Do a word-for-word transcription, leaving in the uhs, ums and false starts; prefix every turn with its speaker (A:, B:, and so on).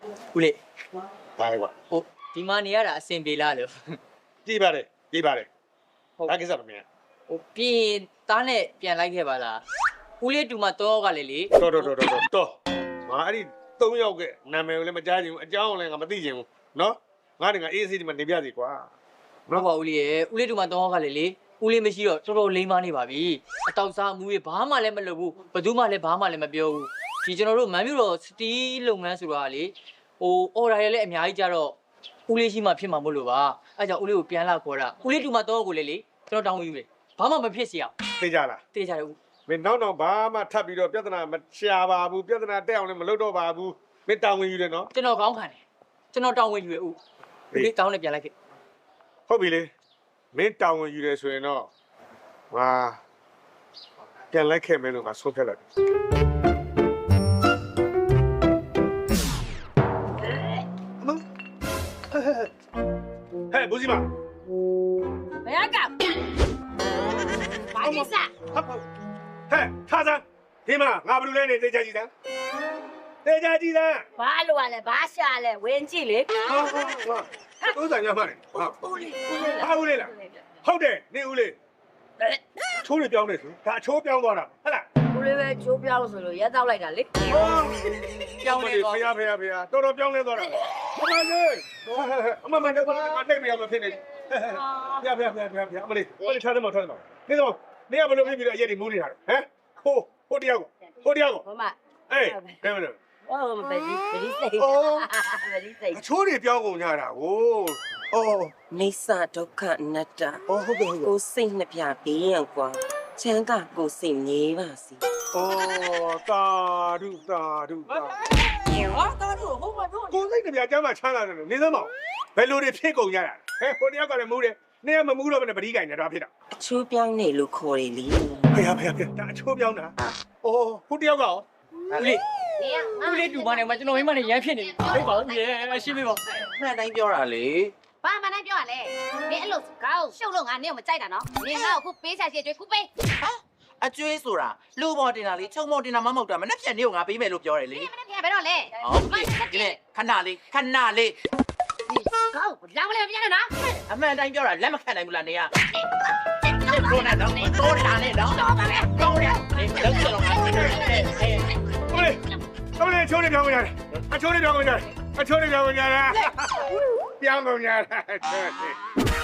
A: ဦးလေး
B: ဘာလဲကွာ
A: ဟိုဒီမှာနေရတာအဆင်ပြေလားလို့
B: ကြည့်ပါတယ်ကြည့်ပါတယ်ဒါကိစ္စမမင်း
A: ဟိုပြင်သားနဲ့ပြန်လိုက်ခဲ့ပါလားဦးလေးတူမတော့ကလေလေ
B: တော်တော်တော်တော်တော်ငါအဲ့ဒီသုံးယောက်ကနာမည်ကိုလည်းမကြားချင်ဘူးအကြောင်းလည်းငါမသိချင်ဘူးနော်ငါတကအေးအေးဒီမှာနေပြစီကွာ
A: ဟုတ်ပါဦးလေးရဲ့ဦးလေးတူမတော့ကလေလေဦးလေးမရှိတော့တော်တော်လိမ့်မနေပါပြီအတောက်စားမူကြီးဘာမှလည်းမလုပ်ဘူးဘယ်သူမှလည်းဘာမှလည်းမပြောဘူးဒီကျွန်တော်တို့မန်မြို့တော်စတီးလုပ်ငန်းဆိုတာလေဟိုအော်ဒါရလည်းအများကြီးကြတော့ဦးလေးရှိမှဖြစ်မှာမဟုတ်လို့ပါအဲကြောင့်ဦးလေးကိုပြန်လာခေါ်တာဦးလေးတူမတော့ကိုလေလေကျွန်တော်တောင်းဝင်ယူတယ်ဘာမှမဖြစ်စီအောင်
B: သိကြလား
A: တေးကြတယ်ဦး
B: မင်းနောက်တော့ဘာမှထပ်ပြီးတော့ပြဿနာမရှာပါဘူးပြဿနာတက်အောင်လည်းမလုပ်တော့ပါဘူးမင်းတောင်းဝင်ယူတယ်နော်
A: ကျွန်တော်ကောင်းခံတယ်ကျွန်တော်တောင်းဝင်ယူရဦးဦးလေးတောင်းနဲ့ပြန်လိုက်ခဲ့
B: ဟုတ်ပြီလေမင်းတောင်းဝင်ယူတယ်ဆိုရင်တော့ငါပြန်လိုက်ခဲ့မယ်လို့ငါဆုံးဖြတ်လိုက်ဟဲ့ဘူစီမ
C: ဘယ်ကဘာကိစ္စ
B: ဟဲ့ထားစမ်းဒီမှာငါဘယ်လိုလဲနေတေချာကြည့်စမ်းတေချာကြည့်စမ်း
C: ဘာလို့ရလဲဘာရှာလဲဝင်ကြည့်လေ
B: ဟာဟာဟာတိုးစံညမလေးဟာ
C: ဦးလေးဦးလေး
B: ဟာဦးလေးလားဟုတ်တယ်နေဦးလေးအချိုးတွေပြောင်းနေဆိုဒါအချိုးပြောင်းသွားတာဟုတ်လား
C: ဦးလေးပဲချိုးပြောင်းဆိုလို့ရက်တော့လိုက်တာလေ
A: ပြောင်းနေ
B: ဖေ
A: ကော
B: ရဖေရဖေရတော်တော်ပြောင်းလဲသွားတာအမလေးအမမနဲ့ကတော့တိတ်မရမဖြစ်နေဖေရဖေရဖေရဖေရဖေရအမလေးအမလေးထားတယ်မထားတယ်မနေတော့နေကဘယ်လိုဖြစ်ပြီးတော့အရက်တွေမူးနေတာဟမ်ဟိုဟိုတယောက်ဟိုတယောက်
C: မမ
B: အေးဘယ်မလဲ
C: ဟောမပဲဒီဒီစိတ်ဗဒီစိတ်
B: အချိုးတွေပြောင်းကုန်ကြတာကိုအော်
D: နေစာဒုက္ခအနတ္တ
B: အော်ဟုတ်ကဲ့ဟုတ်ကဲ့
D: ကိုစိတ်နှပြဘေးရန်ကွာချမ်းသာကိုစိတ်ငြိမ်းပါစေ
B: အော်တာဒုတာဒုတာ
A: ဟာတော်တော်ဟုတ်ပါတော့
B: ကိုယ်စိတ်တပြားကျမ်းမှာချမ်းသာတယ်နေသမောင်ဘယ်လိုတွေဖြစ်ကုန်ကြတာဟဲ့ဟိုတယောက်ကလည်းမူးတယ်နေကမမူးတော့ဘယ်နဲ့ပတိကင်နေတာဖြစ်တာ
D: အချိုးပြောင်းနေလို့ခေါ်တယ်လေ
B: ဖေဖေဖေဒါအချိုးပြောင်းတာအော်ဟိုတယောက်ကရော
A: ဦးလေး
C: နေရ
A: ဦးလေးတူမနဲ့မကျွန်တော်မိမနဲ့ရမ်းဖြစ်နေပြီဟုတ်ပါဦးရေရှင်းပြပါ
D: မှန်တိုင်းပြောတာလေ
C: ဘာမှန်းပြောရလဲမင်းအဲ့လိုကောက်ရှုပ်လို့ငါနေကိုမကြိုက်တာနော်နင်ငါ့ကိုခုပေးချာချေကျွေးခုပေး
E: ဟာအကျွေးဆိုတာလူပေါ်တင်တာလေချုံပေါ်တင်တာမမဟုတ်တာမနှက်ဖြန်နေကိုငါပေးမယ်လို့ပြောတယ်လေ
C: မင်းမင်းဘယ်တော့လဲ
E: ဟုတ်ပြီဒီနေ့ခဏလေးခဏလေး
C: ကောက်လောင်းမလဲမပြတ်နဲ့နော်
E: အမှန်တိုင်းပြောတာလက်မခံနိုင်ဘူးလားနေကကိုနဲ့တော့တိုးနေတာနဲ့တော့တော့ပါလေတိုးတယ်နေလုံးစလုံးငါတင်တယ်ဟဲ့
B: အမလေးအမလေးအချိုးတွေပြောင်းကုန်ကြတယ်အချိုးတွေပြောင်းကုန်ကြတယ်အချိုးတွေပြောင်းကုန်ကြတယ်ပြောင်းကုန်ကြတယ်